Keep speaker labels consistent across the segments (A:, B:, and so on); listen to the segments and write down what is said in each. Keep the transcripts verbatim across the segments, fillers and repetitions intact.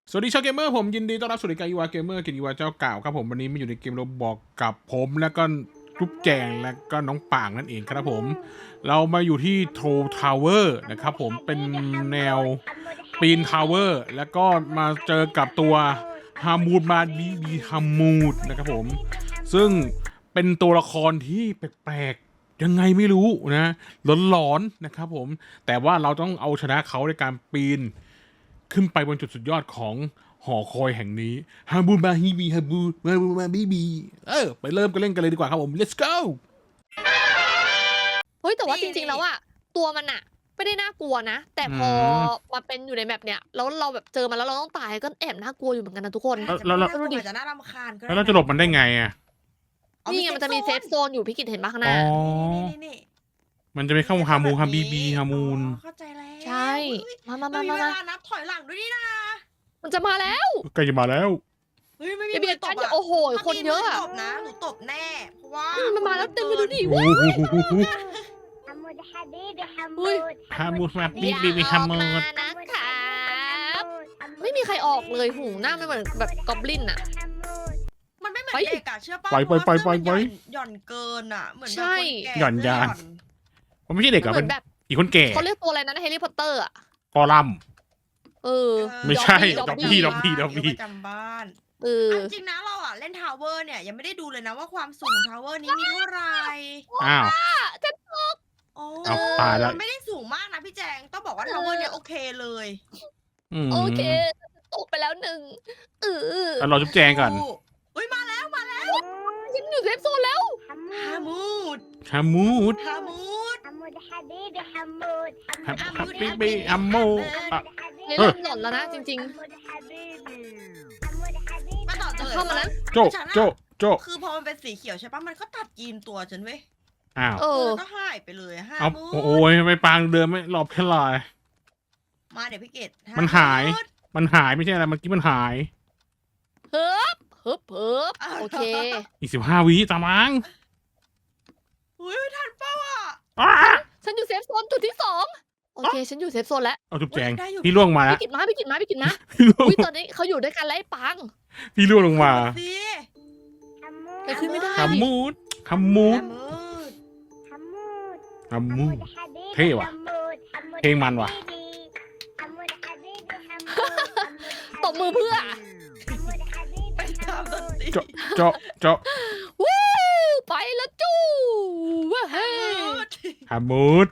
A: สวัสดีชาวเกมเมอร์ผมยินดีต้อนรับสู่รายการอีวาเกมเมอร์กินอีวาเจ้าเก่าครับผมวันนี้มาอยู่ในเกมโรบอกกับผมแล้วก็ทุบแจงแล้วก็น้องป่างนั่นเองครับผมเรามาอยู่ที่โทรทาวเวอร์นะครับผมเป็นแนวปีนทาวเวอร์แล้วก็มาเจอกับตัวฮามูดมาบีบีฮามูดนะครับผมซึ่งเป็นตัวละครที่แปลกๆยังไงไม่รู้นะหลอนๆนะครับผมแต่ว่าเราต้องเอาชนะเขาในการปีนขึ้นไปบนจุดสุดยอดของหอคอยแห่งนี้ฮาบูมาฮีบีฮาบูมาบูมาบีบีเออไปเริ่มกันเล่นกันเลยดีกว่าครับผม let's go
B: เฮ้ยแต่ว่าจริงๆแล้วอะตัวมันอะไม่ได้น่ากลัวนะแต่พอมาเป็นอยู่ในแมปเนี้ยแล้วเราแบบเจอมันแล้วเราต้องตายก็แอบน่ากลัวอยู่เหมือนกันนะทุกคน
A: แล้วแล้ว
C: ดูดิจะน่ารำคาญก็
A: แล้วเราจะหลบมันได้ไงอ่ะ
B: นี่ไงมันจะมีเซฟโซนอยู่พี่กิตเห็นปะข้างห
A: อ๋
B: น้า
A: อ
C: นี่นี่
A: มันจะไม่เข้าฮามูฮาบีบีฮามูน
C: เข้าใจแล้ว
B: ใช่มามา
C: มั
B: มาน
C: มี
B: มา
C: เว
B: มา
C: ลานับถอยหลังด้วยนี่นะ
B: มันจะมาแล้ว
A: ใกล้จะมาแล้ว
C: เฮ้ยไม่มี
B: อย่าเบียด
C: ต
B: กัน
C: บ
B: อย่า
C: อะ
B: โอ้โหคนเยอะอะ
C: ตบนะหนูตบแน่เพราะว่า
B: มันมาแล้วเต็มไปดูดิ
A: โอ้
B: เว้ย
A: โห
D: حمود حبيبي
B: อุ้ย
D: حمود
A: ฮามูฮาบี
B: อย่า
A: บีบี
B: อ
A: ฮา
B: อก
A: มู
B: มาน นะครับไม่มีใครออกเลยหูหน้าไม่เหมือนแบบกอบลินอะ
C: มันไม่เหมือน
B: ไป
C: เด็กอะเชื่อป่ะ
A: ไปไปไปไปไป
C: หย่อนเกินอะเหมือนแบบ
B: ใช่
C: คนแก่
A: หย่อนยาน มันไม่ใช่เด็ก
B: เห
A: อะ
B: มื
A: เป็
B: อน
A: น
B: แบบ
A: อีกคนแก่
B: เขาเรียกตัวอะไรนะในแฮร์รี่พอตเตอร์อะ
A: กอลัม
B: เออ
A: ไม่ใช่
B: ดอบ
A: ดอบ
B: บี้
A: บี้ดอบบี้ดอบบี้
C: ประจำบ้าน
B: เออ
C: เอาจริงนะเราอะเล่นทาวเวอร์เนี่ยยังไม่ได้ดูเลยนะว่าความสูงทาวเวอร์นี้มีเท่าไหร่
A: อ้าว
C: โอ้
A: เอาตายแล้ว
C: มันไม่ได้สูงมากนะพี่แจงต้องบอกว่าทาวเวอร์เนี่ยโอเคเลย
A: อืม
B: โอเคตกไปแล้วหนึ่งเออ
A: แล้วเราจุ๊บแจงก่อน
C: เฮ้ยมาแล้วมาแล้ว
B: ฉันอยู่เซฟโซนแล้ว
C: ฮามูด
A: ฮามูด
C: ฮามูด
D: حمود حبيبي حمود
A: ฮาฮาบีบีฮามูอ่ะ
B: นี่
A: เออ
B: เริ่มหล่อนแล้วนะจริง
D: حمود حبيبي حمود حبيبي
C: มาต่อ
B: ๆ
C: เจ
B: จะ
C: อ
B: เข้ามาแล้ว
A: โจโจโจ
C: คือพอมันเป็นสีเขียวใช่ปะมันก็ตัดยีนตัวฉันเว้ย
A: อ้าว
B: เออ
C: ก็หายไปเลยฮา
A: เอา
C: มูด
A: โอ้ยไม่ปางเดินไม่หลบแค่ลาย
C: มาเดี๋ยวพี่เกด
A: มันหาย
C: มูด
A: มันหายไม่ใช่อะไรเมื่อกี้มันหาย
B: เฮิบเฮิบเฮิบโอเค
A: อีกสิบห้าวิตามัง
C: เฮ้ยทันเป้าอ่ะ
A: อ้า
B: ฉันอยู่เซฟโซนจุดที่สองโอเค ฉันอยู่เซฟโซนแล้ว
A: เอาจุ๊บแจง
C: ได้อยู่
A: พี่ล่วงมาแล้ว
B: พี่กิดมาพี่กิดมาพี่กิดมา
A: พี่ล่วง
B: อุ้ยตอนนี้เขาอยู่ด้วยกันแล้วไอ้ปัง
A: พี่ล่วงลงมา
C: สิ
B: ไปขึ้นไม่ได้
A: ฮัมมูดฮัมมูด
C: ฮามูด
D: حمود
A: ฮัมมูด
D: حمود حبيبي
A: Thếว่ะ
D: حمود حمود
A: เพลงมันว่ะ
D: حبيبي حمود حبيبي حمود
B: ตบมือเพื่อ
D: حمود حبيبي
C: ไปตามดนตรี
A: เจาะเจาะเจาะ
B: วู้ไปแล้วจู้ว้าเฮ้
C: ฮามูด
A: ฮัมมูด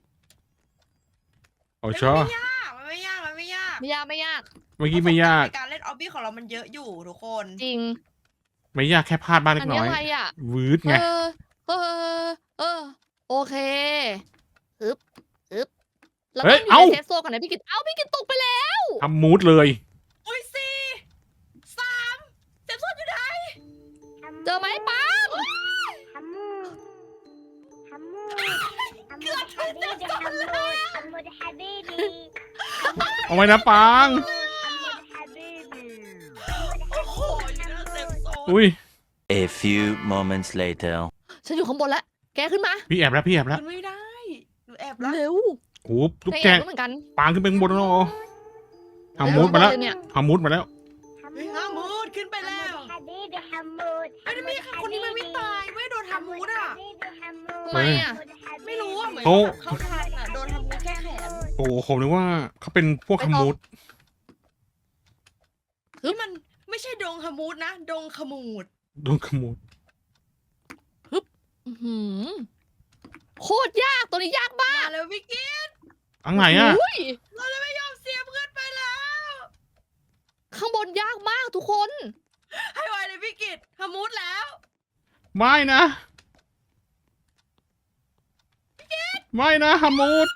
A: โอ้ชอ
C: มันไม่ยากมันไม่ยากมันไม่ยาก
B: ไม่ยากไม่ยาก
A: เมื่อกี้ไม่ยาก
C: ในการเล่นออบบี้ของเรามันเยอะอยู่ทุกคน
B: จริง
A: ไม่ยากแค่พลาดบ้างเล็
B: อั
A: ก
B: น
A: น้
B: นี้
A: อย
B: อะไรอ่ะ
A: วืดไง
B: เออเออเออโอเคฮึบฮึบเราต้องอยู่ในเซฟโซนก่อนนะพี่กิตเอ้าพี่กิตตกไปแล้ว
A: ฮัมมูดเลย
C: อุ้ยสี่สามเจ็บส้นอยู่ไหน
B: เจอไหมปัง
D: حمود حمود حمود حبيبي حمود حمود حبيبي
A: เอาไว้นะปัง
D: حمود حبيبي
C: โอ้โหอยู่ในเซฟโซน
A: อุ้ย
E: A few moments later.
B: ฉันอยู่ข้างบนแล้วแกขึ้นมา
A: พี่แอบแล้วพี่แอบแล้ว
C: มันไม่ได้หนูแอบแล้ว
B: เร็ว
A: โอ้จุ๊บ
B: แก
A: แจ
B: แอบ
A: ง
B: ก็เหมือนกัน
A: ปางขึ้นไปข้างบนแล้วฮัมมูดมาแล้ว
B: เร็เนี่ย
A: ฮัมมูดมาแล้ว
C: เฮ้ยฮามูดขึ้นไปแล้ว
D: حبيبي حمود
C: เฮ้ยมีค่ะคนนี้มันไม่ตายไม่โดนฮามูดอ่ะ
B: ทำไมอ่ะ
C: ไม่รู้อ่ะเหมือน
A: โอ้
C: แบบเขาทันอ่ะโดนฮามูดแค่แขน
A: โอ้ผมนึกว่าเขาเป็นพวกฮัมมูด
C: นี่มันไม่ใช่ดงฮามูดนะ ดงขมูด
A: โดนขโมย
B: อื้อหือโคตรยากตัวนี้ยากมาก
C: มาแล้วพี่กิ๊ด
A: อังไหนอ่ะ
B: อุ้ย
C: เราจะไม่ยอมเสียเพื่อนไปแล้ว
B: ข้างบนยากมากทุกคน
C: ให้ไวเลยพี่กิดฮามูดแล้ว
A: ไม่นะไม่นะฮัมมูด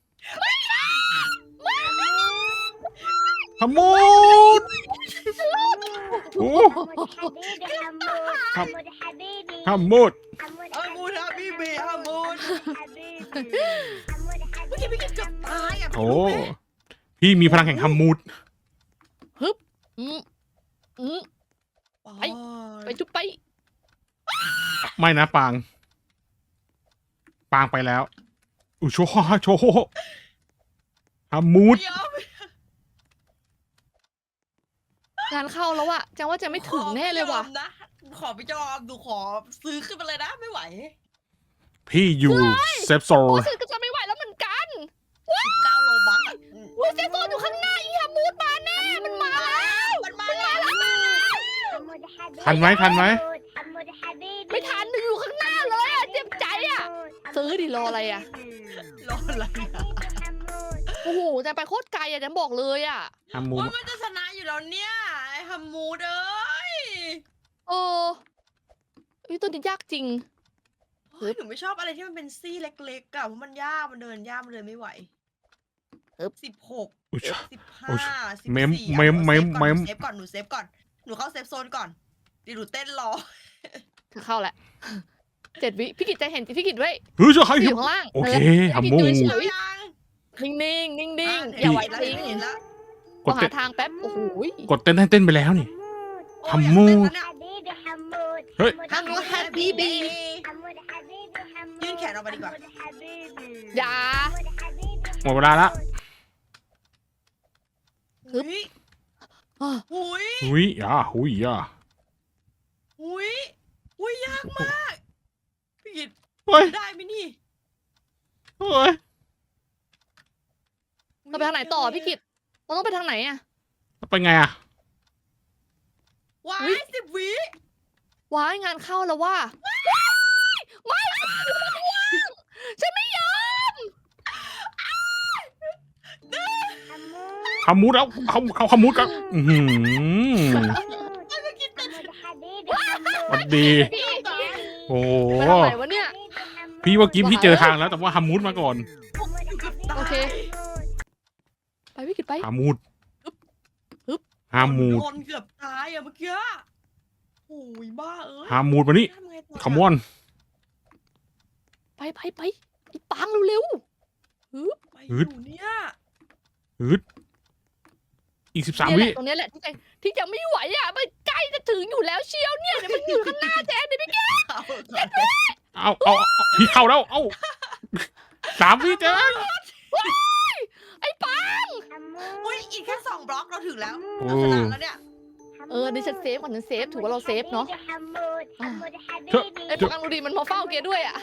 A: ฮัมมูดโอ้
D: حبيبي حمود حمود حبيبي
A: ฮัมมูด
D: حمود
C: ฮามูดฮาบีบีฮามูด
D: حبيبي حمود
C: เมื่อกี้พี่กิดเกือบตายอ่ะ
A: โอ้พี่มีพลังแห่งฮัมมูด
B: อืมอืม ไป ไป
C: ไป
B: จุ๊บไป
A: ไม่นะปาง ปางไปแล้วอุยโชว์โชว์ฮัมมูด
C: เดี๋ยว
B: งานเข้าแล้วอะจังว่าจะไม่ถึงแน่เลยว่ะ
C: ขอไม่ยอมนะขอไม่ยอมดูขอซื้อขึ้นมาเลยนะไม่ไหว
A: พี่อยู่เซฟโซ
B: โอ้
A: น
B: ฉันก็จะไม่ไหวแล้วเหมือนกัน
C: สิบเก้าโลบัคอะ
B: อุ้ยเซฟโซนอยู่ข้างหน้าอีฮามูดมาแน่มันมาแล้ว
C: มันมาแล้วมันมาแล้ว
A: ทันไหมทันไหม
B: ไม่ทันอยู่ข้างหน้าเลยอะเจ็บใจอะซื้อดิรออะไรอะ
C: รออะไรอะ
B: โอ้โหจะไปโคตรไกลอะจันบอกเลยอะ
A: ฮัมมู
C: ว่ามันจะชนะอยู่แล้วเนี่ยไอ้ฮัมมูดเอ้ย
B: เออเฮ้ยตัวนี้ยากจริง
C: เฮ้ยหนูไม่ชอบอะไรที่มันเป็นซี่เล็กๆอะเพราะมันยากมันเดินยากมันเดินไม่ไหว
B: อึ๊บ
C: สิบหก
A: อุ๊ย
C: สิบห้า
A: โอ้ย
C: สิบ
A: เมม
C: สี่
A: เมมเมมเมม
C: เซฟก่อนหนูเซฟก่อนหนูเข้าเซฟโซนก่อนดิหนูเต้นรอ
B: เธอเข้าแหละเจ็ดวิพี่กิจจะเห็นพี่กิจไว้
A: เฮ้ยจะให้
B: พี่อยู่ข้างล่าง
A: โอเค
B: นั่นแหละ
A: ฮัมมู
B: พี่กิจอยู่
C: เอา
B: เฉย
C: ยัง
B: ๆนิ่งๆนิ่งๆ
C: ะ
B: อย่าไหว
C: เห็น
B: จริง
C: แล้วเห็นแล้ว
A: ก
B: ก็
A: ด
B: หา
A: เต้น
B: ทางแป๊บโอ้โห
A: กดเต้นให้เต้นไปแล้วนี่
C: โอ้ย
A: ฮัมมูด
C: อยากเต้นแล้วเนี่ย
A: เฮ้ย
C: ฮัมมูดแฮปปี้บี ยื่
D: ยื่
C: น
D: น
C: แข
D: แข
C: น
D: น
C: อ
D: อ
C: อ
D: อก ก
C: มา
D: มา
C: ดี
D: ดี
C: ก
D: ก
C: ว่า
D: ว่า
B: อย่า ฮึบ
C: หุย
B: อ่ะ
C: หุย
A: หุยอ่ะหุยอ่ะ
C: หุยหุยยากมากพี่กิต
A: เฮ้ย
C: ได้ไหมนี่
A: เฮ้ย
B: เราไปทางไหนต่อพี่กิจเราต้องไปทางไหนอะ
A: ไปไงอ่ะ
C: ว้า
B: อุ๊
C: ย
B: ย
C: สิบวิ
B: ว้ายงานเข้าแล้วว่าไม่ฉันไม่ยอม
A: ฮัมมูดแล้วเขาเขาฮัมมูดกันอือหือสวัสดี โอ้โห
B: ไปทางไหนวะเนี่ย
A: พี่ว่ากิฟพี่เจอทางแล้วแต่ว่าฮัมมูดมาก่อน
B: โอเค ไปพี่กิจไป
A: ฮัมมูด
B: ฮึบ
A: ฮัมมูด
C: โดนเกือบตายอะเมื่อกี้โอ้ยบ้าเอ้ย
A: ฮัมมูดมานี่
C: ทำไงต่อ
A: คำมอน
B: ไปไปไปไอ้ปังเร็ว
C: ไปอยู่เนี่ย
A: ฮึดอีกสิบ
B: ๆ
A: สาม
B: เนี่ยแห
A: วิ
B: ละตรงเนี้ยแหละที่จะที่จะไม่ไหวอ่ะมันใกล้จะถึงอยู่แล้วเชียวเนี่ยเดี๋ยวมันอยู่ข้างหน้าแจ๊ดเนี่ยพี่แก
C: เอาก่อน
A: เอาเอาเอาพี่เข้าแล้ว เอาสามวิเจ๊
B: ไอ้ปัง
C: อุ้ยอีกแค่สองบล็อกเราถึงแล้ว
A: โอ้
C: เราชนะแล้วเนี่ย
B: เออนี่ฉันเซฟก่อนฉันเซฟถือว่าเราเซฟเนาะ
A: เถอะ
B: ไอ้ปังดูดิมันมาเฝ้าเกียร์ด้วยอ่ะ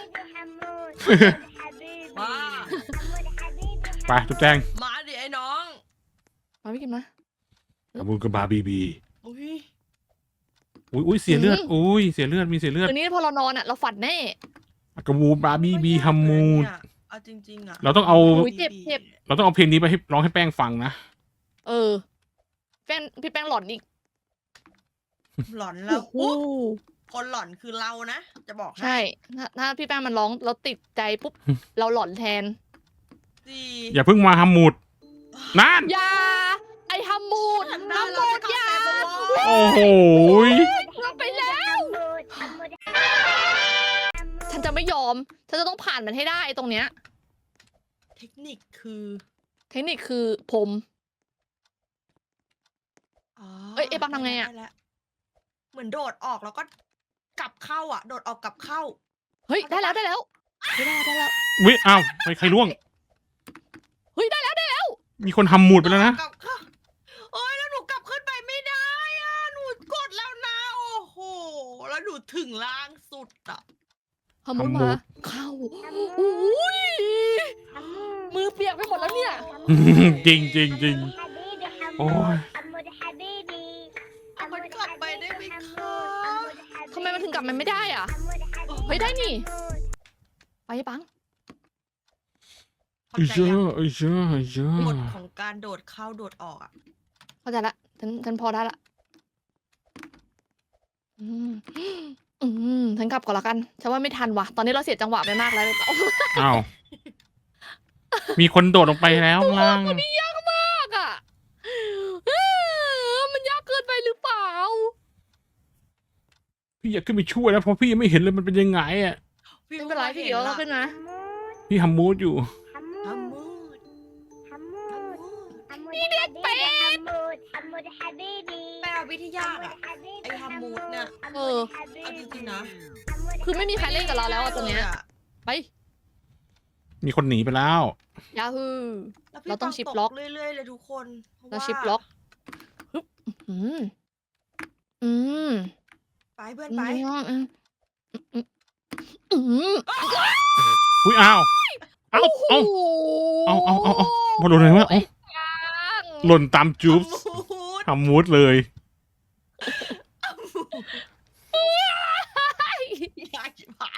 C: มา
A: ไปจุ๊บแจง
C: มาดิไอ้น้อง
B: มาพี่กินมา
A: ฮัมมูดกับบาร์บีบี
C: อุ้ย
A: อุ้ยอุ้ยเสียเลือด
B: อืม
A: อุ้ยเสียเลือดมีเสียเลือด
B: คืนนี้พอเรานอนอ่ะเราฝันแน่
A: กระบูบาร์บีบีฮัมมูด
C: เอาจริงๆอะ
A: เราต้องเอา
B: โอ้ยเจ็บเจ็บ
A: เราต้องเอาเพลงนี้ไปให้ร้องให้แป้งฟังนะ
B: เออแป้งพี่แป้งหลอนอีก
C: หลอนแล้ว
B: โอ้โห
C: คนหลอนคือเรานะ จะบอกให้
B: ใช่ถ้าถ้าพี่แป้งมันร้องเราติดใจปุ๊บเราหลอนแทน
C: ดี
A: อย่าเพิ่งมาฮัมมูดนั่น
B: อย่าไอ้ฮัมมูด
C: ฉัน
B: ฮั
C: ได้
B: ม
C: เรา
B: มู
C: จะ
B: ด
C: เข้า
B: อย่า
C: เซฟแล้วโว้ย
A: โอ้โหย
B: เราไปแล้ว ฉันจะไม่ยอม ฉันจะต้องผ่านมันให้ได้ตรงเนี้ย
C: เทคนิคคือ
B: เทคนิคคือผม
C: อ๋อ
B: เอ้ยเอ๊ะปังทำไงอะ
C: ด้แล้วเหมือนโดดออกแล้วก็กลับเข้าอ่ะ โดดออกกลับเข้า
B: เฮ้ยได้แล้วได้แล้วเฮ้ยได้แล้วได้แล้ว
A: วิอ้าวไปใครร่วง
B: เฮ้ยได้แล้วได้แล้ว
A: มีคนฮัมมูดไปแล้วนะ
C: กลับเข้าโอ้ยแล้วหนูกลับขึ้นไปไม่ได้อ่ะ หนูกดแล้วนะ โอ้โห แล้วหนูถึงล่างสุดอ่ะ
B: ฮัมมูด
A: ฮัมมู
B: มา
A: ด
B: เข้าอุ้ยมือเปียกไปหมดแล้วเนี่ย
A: จริงจริงจริง โอ้ย
C: เอามันกลับไปได้ไหมคะ
B: ทำไมมันถึงกลับมันไม่ได้อ่ะ เฮ้ยได้นี่ ไปปัง
C: เข้า
A: ไอ้
C: ใจ
A: เจ้า
C: ยัง
A: ไอ้เจ้าไอ้เจ้าก
C: ฎของการโดดเข้าโดดออกอ่ะ
B: เข้าใจละฉันฉันพอได้ละอืมอืมฉันกลับก่อนละกันฉันว่าไม่ทันว่ะ ตอนนี้เราเสียจังหวะไปมากแล้วเลยเปล่า
A: อ้าวมีคนโดดลงไปแล้วข้างล่าง
B: คนนี้ยากมากอ่ะเออมันยากเกินไปหรือเปล่า
A: พี่อยากขึ้นไปช่วยแล้วเพราะพี่ยังไม่เห็นเลยมันเป็นยังไงอ่ะ
C: พี่
B: ไม่เป็นไรพี่เดี๋ยวเราขึ้นมา
A: พี่ฮัมมูดอยู่
C: ฮัมมูด
D: นี่เด็กเป็ด
C: แปลวิทยาอ่ะ ไอ้ฮัมมูดเนี่ย
B: เออ
C: เอาจริงๆนะ
B: คือไม่มีใครเล่นกับเราแล้วอะตัวเนี้ย ไป
A: มีคนหนีไปแล้ว
B: ยาฮู
C: แล้วพี่
B: เราต้อง
C: ป
B: ชิป
C: ต
B: ล็อก
C: เรื่อยๆเลยทุกคนพะ
B: เรา
C: ว่า
B: ชิปล็อกฮึบอืมอืม
C: ไปเพื่อน
B: อื
C: ไป
B: มอืมอืมอืม
A: อุ้ยอ้าวเอ้าเอ้า เอาเอาเอาเอามาโดนอะไรวะเอ้า
B: ปัง
A: หล่นตามจูบ
C: ฮัมมูด
A: ทำมูดเลย
C: ยากจิ๋หาย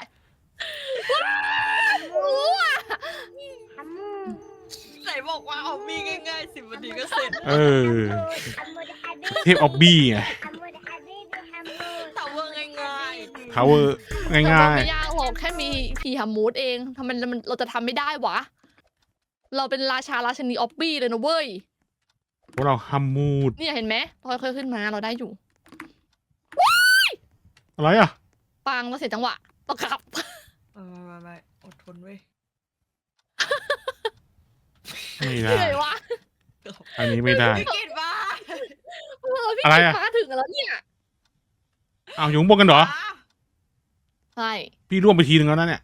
D: ฮัมมู
C: ไหนบอกว่าเอามีง่ายๆสิบนาทีก็เสร็จ
A: เออ
D: ฮัมมูฮัมมู
A: เทพออบบี้ไง
D: ฮัมมูฮัมมูฮัมมู
C: ทาวเวอร์ง่าย
A: ทาวเวอร์ง่าย
B: ไม่ยากหรอกแค่มีพีฮัมมูดเองทำไมมันเราจะทำไม่ได้วะ เราเป็นราชาราชนีออบบี้เลยนะเว้ย
A: ๆพวกเราฮัมมูด
B: เนี่ยเห็นไหมพอค่อยๆขึ้นมาเราได้อยู่
A: อะไรอ่ะ
B: ปังเราเสียจังหวะต้องขับ
C: ๆไม่ไม่ไม่อดทนเว้ย
A: ไม่
B: เห
A: ได้
B: นื่อยวะ
A: อันนี้ไม่ได้
C: พี่กิดมา
B: เออพี่
A: อะไร
B: กิ
A: อะ
B: นมาถึงแล้วเนี่ย
A: เอาอยู่ข้างบนกันเหรอ
B: ใช่
A: พี่ร่วงไปทีนึงแล้วนะเนี่ย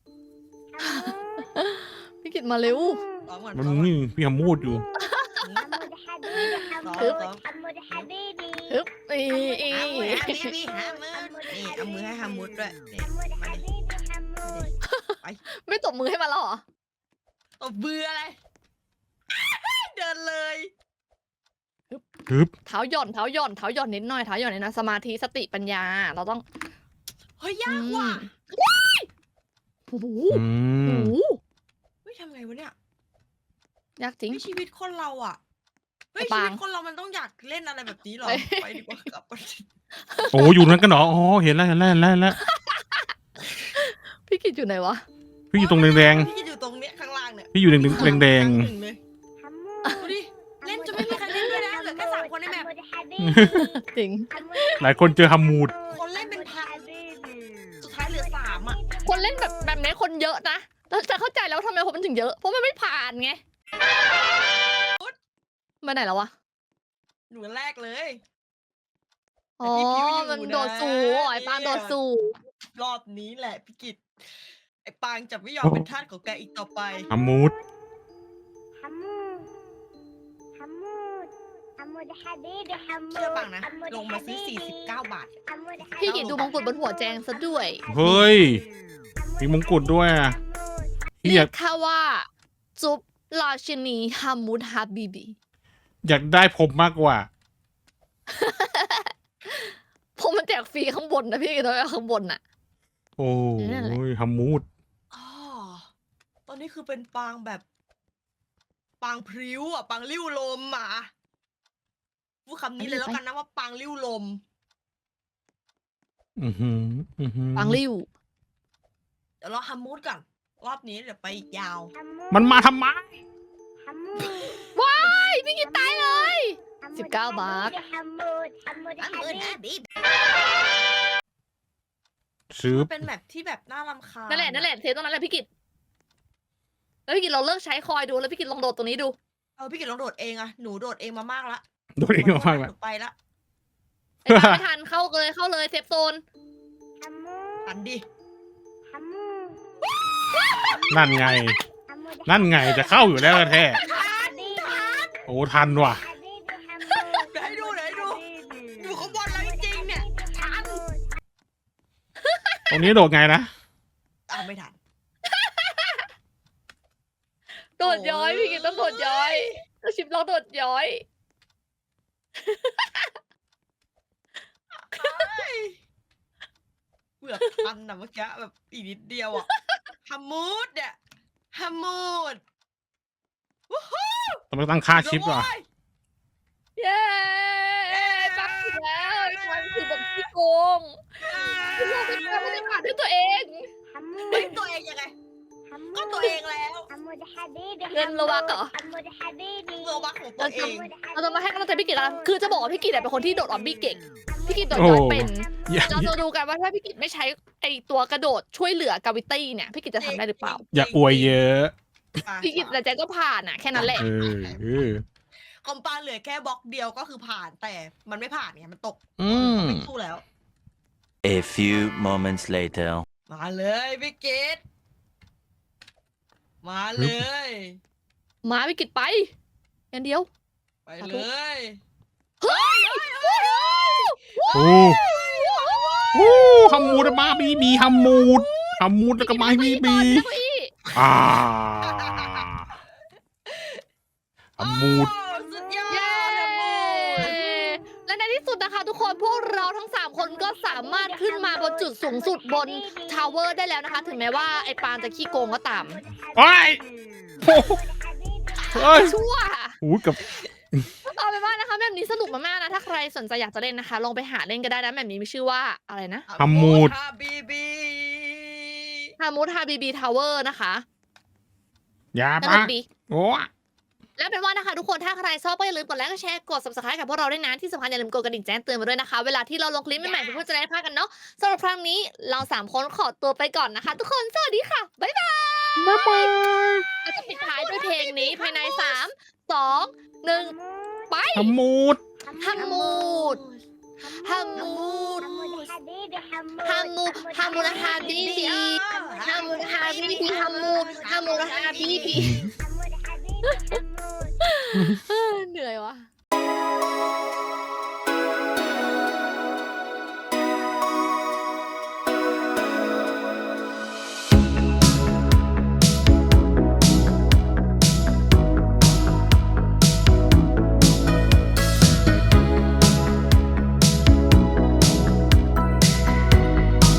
B: พี่กินมาเร็ว
C: ร้องก่อน
A: มัน
C: ร้องก่อน
A: นี่พี่ฮัมมูดอยู่
D: ฮัมมูฮัมมูฮัมมูฮัมมูฮัมมู
B: ฮึบอีอี
C: หามือหาบีบีหามือนี่เอามือให้ฮามุดด้วยนี่
D: ฮัมมู
C: มา
D: ฮัม
C: ดิ
D: มูฮัมมู
B: ไม่ตบมือให้มันแล้วเหรอ
C: ตบเบื่ออะไร เดินเลย
A: ฮึบ
B: เท้าหย่อนเท้าหย่อนเท้าหย่อนนิดหน่อยเท้าหย่อนนิดหน่อยสมาธิสติปัญญา เราต้อง
C: เฮ้ยยากว่ะ
B: โอ้โห
A: อื
B: โอ้
A: ม
B: โห
C: เฮ้ยทำไงวะเนี่ย
B: ยากจริง
C: เฮ้ยชีวิตคนเราอ่ะเฮ้ย
B: ไอ้
C: ชี
B: ปาง
C: วิตคนเรามันต้องอยากเล่นอะไรแบบนี้เหรอ
B: ไป
C: ไปดีกว่ากลับก่อน
A: โอ้อยู่นั้นกันเหรอ อ๋อ เห็นแล้วเห็นแล้วเห็นแล้วเห็นแล้ว
B: พี่กิจอยู่ไหนวะ
A: พี่อยู่ตรงแดง
C: พี่อยู่ตรงเนี้ยข้างล่างเนี่ย
A: ๆพี่อยู่แดงแดง
C: ข้าหนึ่เลย
D: ฮัมมู
C: ดูดิ เล่นจนไม่มีใครเล่นด้วยนะเหลือแค่สามคนในแมป
B: จริง
A: ๆหลายคนเจอฮัมมูด
C: คนเล่นเป็นพัน สุดท้ายเหลือสามอ่ะ
B: คนเล่นแบบแบบนี้คนเยอะนะแต่จะเข้าใจแล้วทำไมคนมันถึงเยอะ เพราะมันไม่ผ่านไงมาไหนแล้ววะ
C: หนูแรกเลย
B: อ๋อ
C: แต่พี่ผิวอยู่
B: มันโดดสู
C: นะ
B: ไอ้ปางโดดสู
C: รอบนี้แหละพี่กิตไอ้ปางจะไม่ยอมเป็นทาสของแกอีกต่อไป
A: ฮัมมูด
D: ฮัมมูฮัมมูฮัมมูฮัมมูฮัมมู
C: เชื่อปางนะ ลงมาซื้อสี่สิบเก้าบาท
B: พี่กิจดูมงกุฎบนหัวแจงซะด้วย
A: เฮ้ย มีมงกุฎด้วยอ่ะพี่
B: เรี
A: อย ยาก
B: กแค่ว่าจุบราชินีฮามูดฮาบิบี
A: อยากได้ผมมากกว่า
B: ผมมันแจกฟรีข้างบนนะพี่กิจต้องเอาข้างบนน่ะ
A: โอ้
B: นั่นแหละ
A: ยฮัมมูด
C: อ๋อ ตอนนี้คือเป็นปางแบบ ปางพริ้วอ่ะ ปางลิ้วลมอ่ะพูดคำนี้เลยแล้วกันนะว่าปางลิ้วลม
A: อือหืออือหือ
B: ปังริ้ว
C: เดี๋ยวเราฮัมมูดก่อน รอบนี้เดี๋ยวไปอีกยาว
A: มันมาทำไม
D: ฮัมมู
B: ว้ายพี่กิจตายเลย สิบเก้าบาท
D: ฮัมมูฮัมมู
C: อัน
D: ฮัม
C: มือ
D: มู
C: นะบีบ
A: ซื้อ
C: เป็นแบบที่แบบน่ารำคาญ
B: นั่นแหละนั่นแหละเทตรงนั้นแหละพี่กิจแล้วพี่กิจเราเลิกใช้คอยดูแล้วพี่กิจลองโดดตรงนี้ดู
C: เออพี่กิตลองโดดเองอะหนูโดดเองมามากละ
A: โดนเองมาก
C: ห
A: ๆแล้ว
C: นูไปละ
B: ไอ้ปางไม่ทันเข้าเลยเข้าเลยเซฟโซน
D: ฮัมมู
C: ปันดิ
D: ฮัมมู
A: นั่นไง
D: ฮัมมู
A: นั่นไงจะเข้าอยู่แล้วแท้
C: ทันทัน
A: โอ้ทันว่ะ
C: เดี๋ยวให้ดูเดี๋ยวให้ดูอยู่ข้างบนแล้วจริงๆเนี่ยทัน
A: ตรงนี้โดดไงนะ
C: อ่ะไม่ทัน
B: โดดย้อยพี่กิจต้องโดดย้อยต้องชิปลองโดดย้อย
C: เกือบทันนะเมื่อกี้แบบอีกนิดเดียวอะฮัมมูดเนี่ยฮัมมูดวู้ฮู้
A: ต้องตั้งค่าชิปว่ะ
B: เย้ปังถึงแล้วไอ้ปังคือแบบพี่โกงคือเราเป็นคนไม่ได้ผ่านด้วยตัวเอง
D: ฮัมมู
C: เฮ้ยตัวเองยังไง
D: ฮัมมู
C: ก็ตัวเองแล้ว
D: ฮัมมูฮัมมู
B: เงินระวักเหรอ
D: ฮัมมูฮัมมู
C: เงอวักของตัวเอง
B: เราจะมาให้กำลังใจพี่กิจกันคือจะบอกว่าพี่กิจเป็นคนที่โดดออบบี้เก่งพี่กิจโดดย้อยเป็น
A: อย่า
B: เราจะดูกันว่าถ้าพี่กิจไม่ใช้ไอตัวกระโดดช่วยเหลือกาวิตี้เนี่ยพี่กิจจะทำได้หรือเปล่า
A: อย่าอวยเยอะ
B: พี่กิจแต่แจก็ผ่านอ่ะแค่นั้นแหละ
A: เออเออ
C: คอมปาเหลือแค่บล็อกเดียวก็คือผ่านแต่มันไม่ผ่านไงมันตก
A: อืม
C: ไม่สู้แล้ว
E: A few moments later.
C: มาเลยพี่กิตมาเลย
B: มาพี่กิจไปอย่างเดียว
C: ไปเลย
B: เฮ้ย
A: โอ้โอ้ฮัมมูดมาบีบีฮัมมูดฮัมมูดแล้วก็มาบีบี
B: แล้วก็อี
A: อ่าฮัมมูด
C: โอ้สุดยอด
B: เย้
C: ฮัมมูด
B: และในที่สุดนะคะทุกคนพวกเราทั้งสามคนก็สามารถขึ้นมาบนจุดสูงสุดบนทาวเวอร์ได้แล้วนะคะ ถึงแม้ว่าไอ้ปางจะขี้โกงก็ตาม
A: ไอ้ยโอ้โหเฮ้ย
B: ชั่ว
A: โอ้ยกับ
B: เอาเป็นว่านะคะแบบนี้สนุกมากๆนะถ้าใครสนใจอยากจะเล่นนะคะ ลองไปหาเล่นก็ได้นะแบบนี้มีชื่อว่าอะไรนะ
A: ฮัมมูด
C: ฮาบีบี
B: ฮามูดฮาบีบีทาวเวอร์นะคะ
A: อย่า
B: ส
A: ปะ
B: นุกดี
A: โอ้
B: แล้วเป็นว่านะคะทุกคนถ้าใครชอบก็อย่าลืมกดไลค์กดแชร์กด subscribe กับพวกเราด้วยนะที่สำคัญอย่าลืมกดกระดิ่งแจ้งเตือนมาด้วยนะคะ เวลาที่เราลงคลิปใหม่ๆเพื่อจะได้ไม่พลาดกันเนาะสำหรับครั้งนี้เราสามคนขอตัวไปก่อนนะคะ ทุกคนสวัสดีค่ะบ๊ายบาย
A: บ๊ายบาย
B: เราจะปิดท้ายด้วยเพลงนี้ภายในสามสองหนึ่งไป
A: ฮัมมูด
B: ฮัมมูดฮัมมูด
D: حمود حبيبي حمود
B: ฮัมมูดฮัมมูดฮาบีบีฮัมมูดฮาบีบีฮัมมูดฮัมมูดฮาบีบี
D: حمود حبيبي حمود
B: เหนื่อยว่ะ